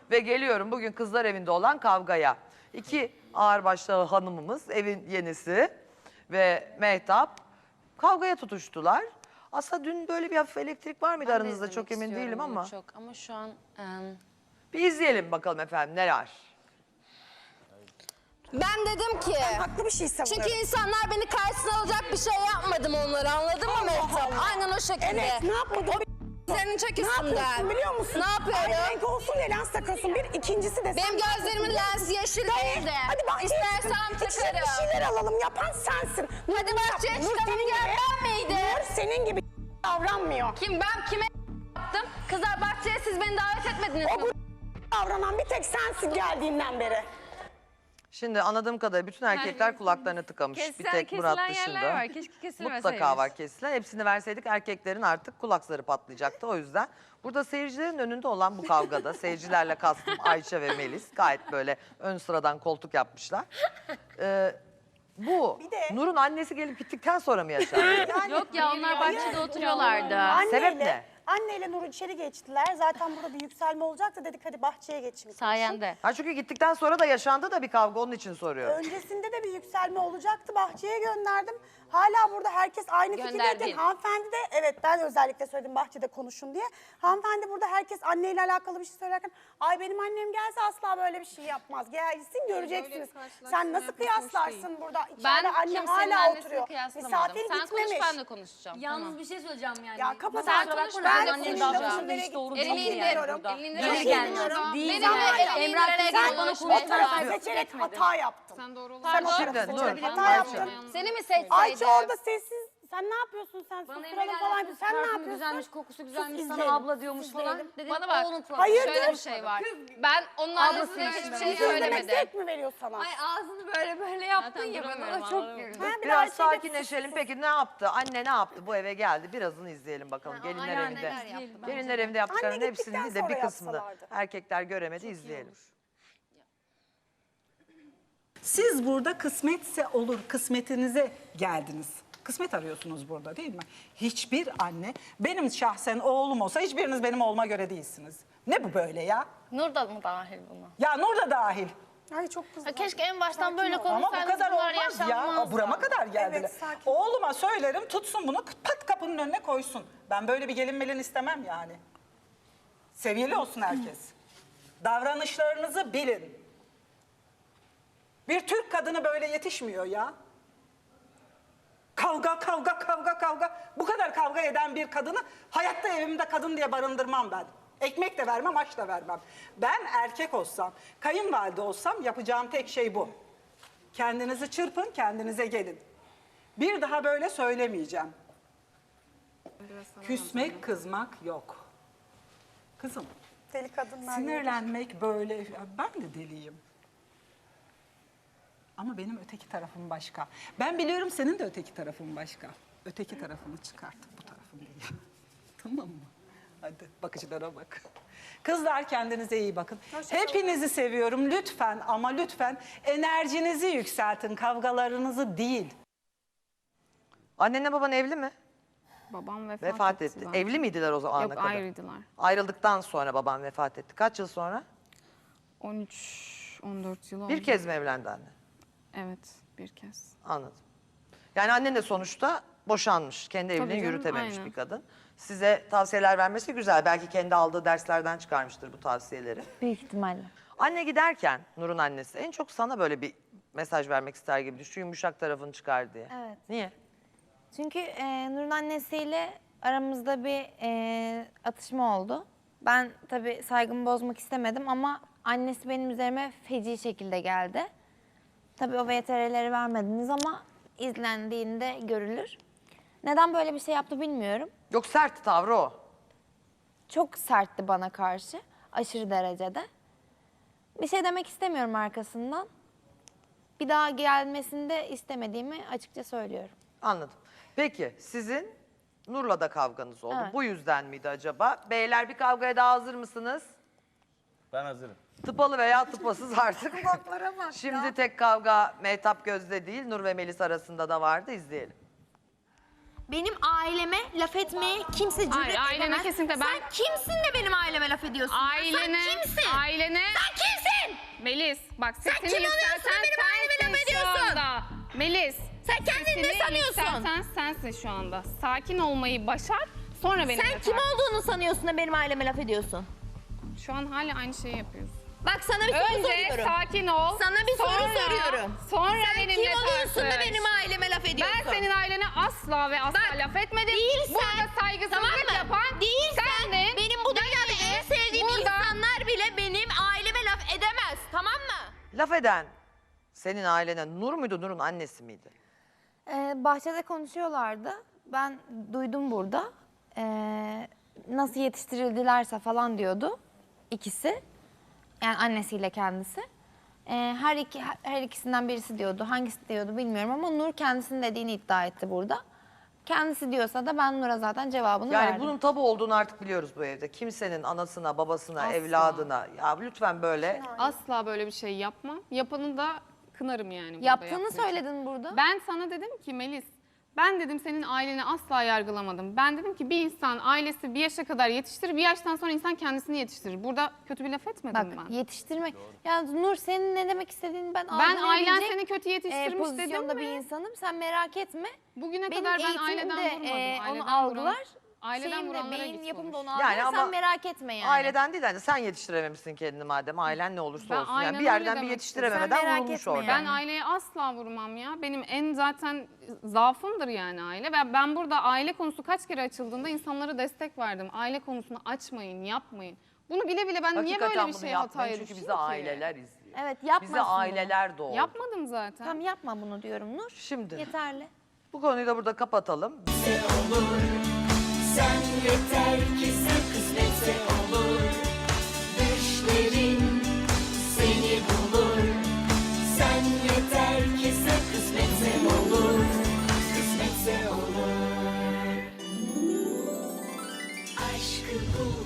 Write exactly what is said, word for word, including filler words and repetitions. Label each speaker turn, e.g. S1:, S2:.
S1: Ve geliyorum bugün kızlar evinde olan kavgaya. İki ağırbaşlı hanımımız, evin yenisi ve Mehtap kavgaya tutuştular. Aslında dün böyle bir hafif elektrik var mıydı
S2: Ben de
S1: aranızda
S2: izlemek
S1: çok emin
S2: istiyorum
S1: değilim
S2: bunu
S1: ama.
S2: Çok. Ama şu an... em,
S1: Bir izleyelim bakalım efendim neler.
S3: Ben dedim ki,
S4: Haklı bir şey savunuyorum.
S3: çünkü insanlar beni karşısına alacak bir şey yapmadım onlara, anladın mı Mehtap? Aynen o şekilde.
S4: Evet, ne yapmadın?
S3: Senin çek
S4: Ne
S3: üstümden.
S4: yapıyorsun biliyor musun?
S3: Ne yapıyorum?
S4: Aynı renk olsun diye lens takıyorsun. Bir, ikincisi de
S3: Benim
S4: sen
S3: gözlerimin
S4: takıyorsun.
S3: lensi yeşil
S4: Dayı,
S3: değil de.
S4: Hadi bahçeye
S3: İstersem
S4: çıkın. İçecek
S3: takarım.
S4: bir şeyler alalım. Yapan sensin. Nur,
S3: Hadi
S4: Nur
S3: bahçeye
S4: yap- Nur
S3: çıkalım
S4: senin
S3: gel,
S4: gibi-
S3: ben miydim?
S4: Nur senin gibi davranmıyor.
S3: Kim ben kime yaptım? Kızlar bahçeye siz beni davet etmediniz
S4: O
S3: mi?
S4: bu davranan bir tek sensin geldiğinden beri.
S1: Şimdi anladığım kadarıyla bütün erkekler kulaklarını tıkamış.
S5: Kesilen-
S1: Bir tek Murat
S5: kesilen
S1: dışında.
S5: yerler var. Keşke kesilmeseymiş.
S1: Mutlaka var kesilen. Hepsini verseydik erkeklerin artık kulakları patlayacaktı. O yüzden burada seyircilerin önünde olan bu kavgada seyircilerle kastım Ayça ve Melis gayet böyle ön sıradan koltuk yapmışlar. Ee, bu
S4: Bir de-
S1: Nur'un annesi gelip gittikten sonra mı yaşandı?
S5: Yok ya onlar bahçede oturuyorlardı.
S1: Sebep ne?
S6: Anneyle Nur içeri geçtiler. Zaten burada bir yükselme olacaktı. Dedik hadi bahçeye geçin.
S5: Sayende.
S1: Ha çünkü gittikten sonra da yaşandı da bir kavga onun için soruyorum.
S6: Öncesinde de bir yükselme olacaktı. Bahçeye gönderdim. Hala burada herkes aynı
S3: Gönderdin.
S6: fikirdeydi. Hanımefendi de evet ben özellikle söyledim bahçede konuşun diye. Hanımefendi burada herkes anneyle alakalı bir şey söylerken ay benim annem gelse asla böyle bir şey yapmaz. Gelsin göreceksiniz. Sen nasıl kıyaslarsın burada? İçeride
S2: Ben
S6: anne
S2: kimsenin
S6: hala
S2: annesini
S6: oturuyor.
S2: kıyaslamadım.
S6: Misafir
S2: Sen konuş
S6: gitmemiş.
S2: ben de konuşacağım.
S7: Yalnız
S2: Tamam.
S7: bir şey söyleyeceğim yani.
S6: Ya kapat
S2: Sen
S6: ağzını.
S2: konuş,
S6: Ben
S2: ben
S6: senin
S2: konuşacağım.
S6: lafını hiç doğru
S2: Elini
S6: çok iyi
S2: indir.
S6: biliyorum.
S2: Elini
S6: Çok
S2: indir.
S6: iyi
S7: gelmiş.
S6: biliyorum.
S2: Benimle
S6: Sen-
S2: elini indirerek
S6: Sen
S2: konuş.
S6: o tarafa
S2: Mehtap.
S6: seçerek hata yaptın.
S2: Sen doğru
S6: Sen o
S1: Şimdi
S6: tarafa
S1: Nur,
S6: seçerek hata
S1: Ayça.
S6: yaptın.
S2: Seni mi seçseydim?
S6: Ayça orada sessiz. Sen ne yapıyorsun sen?
S7: Bana
S6: Susturalım
S7: eve
S6: falan.
S7: gelmiş,
S6: Sen ne
S7: parfümü
S6: yapıyorsun?
S7: güzelmiş, kokusu güzelmiş,
S6: Sus,
S7: sana
S6: izleyelim.
S7: abla diyormuş falan.
S6: İzleyelim.
S7: Dedim,
S2: Bana bak.
S7: oğlum falan.
S6: Hayırdır?
S2: Şöyle bir şey var. Ben onun annesine hiçbir şey
S6: İzlemek
S2: söylemedim.
S6: zevk mi veriyor sana?
S7: Ay ağzını böyle böyle yaptın
S2: Zaten
S7: ya
S2: duramıyorum,
S7: bana çok
S2: anladım.
S7: güldüm.
S6: Ha, bir de
S1: Biraz
S6: Ayşe de-
S1: sakinleşelim. Peki ne yaptı? Anne ne yaptı? Bu eve geldi. Birazını izleyelim bakalım. Gelinler
S7: aynen,
S1: evinde.
S7: neler yaptı bence
S1: Gelinler evinde yaptıklarının
S6: Anne
S1: hepsini
S6: gittikten
S1: değil de bir
S6: sonra
S1: kısmını
S6: yapsalardı.
S1: erkekler göremedi. İzleyelim.
S8: Siz burada kısmetse olur, kısmetinize geldiniz. Kısmet arıyorsunuz burada değil mi? Hiçbir anne, benim şahsen oğlum olsa hiçbiriniz benim oğluma göre değilsiniz. Ne bu böyle ya?
S2: Nur da mı dahil buna?
S8: Ya Nur da dahil.
S6: Ay çok kızdım.
S2: Keşke en baştan böyle
S8: Ama bu
S2: konuşsaydınız.
S8: kadar
S2: bunlar
S8: olmaz ya.
S2: yaşanmazdı.
S8: Burama kadar geldiler.
S6: Evet, sakin.
S8: Oğluma söylerim tutsun bunu pat kapının önüne koysun. Ben böyle bir gelin melin istemem yani. Seviyeli olsun herkes. Davranışlarınızı bilin. Bir Türk kadını böyle yetişmiyor ya. Kavga, kavga, kavga, kavga. Bu kadar kavga eden bir kadını hayatta evimde kadın diye barındırmam ben. Ekmek de vermem, aş da vermem. Ben erkek olsam, kayınvalide olsam yapacağım tek şey bu. Kendinizi çırpın, kendinize gelin. Bir daha böyle söylemeyeceğim. Küsmek, kızmak yok. Kızım,
S6: Deli kadınlar.
S8: sinirlenmek böyle, ben de deliyim. Ama benim öteki tarafım başka. Ben biliyorum senin de öteki tarafın başka. Öteki tarafını çıkart, bu tarafın değil. Tamam mı? Hadi bakıcılara bak. Kızlar kendinize iyi bakın. Hepinizi seviyorum lütfen ama lütfen enerjinizi yükseltin, kavgalarınızı değil.
S1: Annenle baban evli mi?
S9: Babam vefat,
S1: Vefat
S9: etti.
S1: etti.
S9: zaten.
S1: Evli miydiler o zamana
S9: Yok
S1: kadar?
S9: ayrıydılar.
S1: Ayrıldıktan sonra baban vefat etti. Kaç yıl sonra?
S9: on üç on dört yıl oldu.
S1: Bir kez mi evlendi anne?
S9: Evet bir kez.
S1: Anladım. Yani annen de sonuçta boşanmış. Kendi evliliğini
S9: canım,
S1: yürütememiş
S9: aynen.
S1: bir kadın. Size tavsiyeler vermesi güzel. Belki kendi aldığı derslerden çıkarmıştır bu tavsiyeleri.
S5: Büyük ihtimalle.
S1: Anne giderken Nur'un annesi en çok sana böyle bir mesaj vermek ister gibi düşün. Yumuşak tarafını çıkar diye.
S10: Evet.
S1: Niye?
S10: Çünkü e, Nur'un annesiyle aramızda bir e, atışma oldu. Ben tabii saygımı bozmak istemedim ama annesi benim üzerime feci şekilde geldi. Tabii o V T R'leri vermediniz ama izlendiğinde görülür. Neden böyle bir şey yaptı bilmiyorum.
S1: Yok sert tavrı o.
S10: Çok sertti bana karşı, aşırı derecede. Bir şey demek istemiyorum arkasından. Bir daha gelmesini de istemediğimi açıkça söylüyorum.
S1: Anladım. Peki sizin Nur'la da kavganız oldu.
S10: Evet.
S1: Bu yüzden miydi acaba? Beyler bir kavgaya daha hazır mısınız?
S11: Ben hazırım.
S1: Tıpalı veya tıpasız artık. Şimdi tek kavga Mehtap Gözde değil, Nur ve Melis arasında da vardı. İzleyelim.
S3: benim aileme laf etmeye kimse cüret
S9: Hayır, ailene
S3: edemez.
S9: kesinlikle ben-
S3: Sen kimsin de benim aileme laf ediyorsun?
S9: Ailene,
S3: Sen kimsin?
S9: ailene...
S3: Sen kimsin?
S9: Melis, bak sesini
S3: kim oluyorsun da
S9: yükselten
S3: benim aileme laf
S9: sensin şu
S3: ediyorsun?
S9: anda. Melis.
S3: Sen kendini ne
S9: sesini
S3: sanıyorsun?
S9: yükselten sensin şu anda. Sakin olmayı başar, sonra benimle
S3: Sen kim
S9: tartış.
S3: olduğunu sanıyorsun da benim aileme laf ediyorsun?
S9: Şu an hala aynı şeyi yapıyorsun.
S3: Bak sana bir soru
S9: Önce
S3: soruyorum.
S9: sakin ol.
S3: Sana bir soru
S9: sonra-
S3: soruyorum.
S9: Sonra
S3: Sen
S9: benimle
S3: kim oluyorsun da
S9: tartış.
S3: benim aileme laf ediyorsun?
S9: Ben senin ailene asla ve asla
S3: Bak,
S9: laf etmedim.
S3: değilsen,
S9: Burada saygısızlık
S3: tamam mı?
S9: yapan
S3: Değilsen,
S9: sendin.
S3: benim bu dünyada en sevdiğim
S9: burada-
S3: insanlar bile benim aileme laf edemez. Tamam mı?
S1: Laf eden senin ailene Nur muydu, Nur'un annesi miydi?
S10: Ee, bahçede konuşuyorlardı. Ben duydum burada. Ee, nasıl yetiştirildilerse falan diyordu ikisi. Yani annesiyle kendisi. Ee, her iki her ikisinden birisi diyordu. Hangisi diyordu bilmiyorum ama Nur kendisinin dediğini iddia etti burada. Kendisi diyorsa da ben Nur'a zaten cevabını
S1: Yani
S10: verdim.
S1: bunun tabu olduğunu artık biliyoruz bu evde. Kimsenin anasına, babasına,
S9: Asla.
S1: evladına. Ya lütfen böyle.
S9: Asla böyle bir şey yapmam. Yapanı da kınarım yani. burada
S10: Yaptığını
S9: yaptığı için.
S10: söyledin burada.
S9: Ben sana dedim ki Melis, ben dedim senin aileni asla yargılamadım. Ben dedim ki bir insan ailesi bir yaşa kadar yetiştirir, bir yaştan sonra insan kendisini yetiştirir. Burada kötü bir laf etmedim
S10: Bak
S9: ben.
S10: yetiştirmek. Ya Nur senin ne demek istediğini ben
S9: Ben ailen
S10: algılayabilecek,
S9: seni kötü
S10: e,
S9: yetiştirmiş dedim
S10: pozisyonda
S9: mi?
S10: bir insanım. Sen merak etme.
S9: Bugüne
S10: Benim
S9: kadar ben
S10: eğitimim
S9: aileden
S10: de,
S9: vurmadım.
S10: e,
S9: Aileden
S10: onu algılar.
S9: vuran- aileden
S10: Şeyim de,
S9: vuranlara
S10: beyin
S9: git
S10: yapımı da
S9: konuş.
S10: onu algılar.
S1: Yani ama
S10: Sen merak etme yani.
S1: Aileden değil hani sen yetiştirememişsin kendini madem. Ailen ne olursa
S9: Ben
S1: olsun. Yani
S9: aynen
S1: bir
S9: öyle
S1: yerden bir
S9: demek
S1: yetiştirememeden
S10: Sen merak
S1: vurulmuş
S10: etme
S1: orada.
S10: yani.
S9: Ben aileye asla vurmam ya. Benim en zaten zaafımdır yani aile. Ben, ben burada aile konusu kaç kere açıldığında insanlara destek verdim. Aile konusunu açmayın, yapmayın. Bunu bile bile ben niye
S1: Hakikaten
S9: böyle bir
S1: bunu
S9: şeye
S1: yapmayın
S9: hataya
S1: çünkü
S9: düşeyim
S1: bizi
S9: ki?
S1: aileler izliyor.
S10: Evet yapmasın
S1: Bize
S10: bunu.
S1: aileler doğdu.
S9: Yapmadım zaten.
S10: Tamam yapma bunu diyorum Nur.
S1: Şimdi
S10: Yeterli.
S1: bu konuyu da burada kapatalım.
S12: Sen yeter ki sen kısmetse olur. Düşlerin seni bulur. Sen yeter ki sen kısmetse olur. Kısmetse olur. Aşkı bul.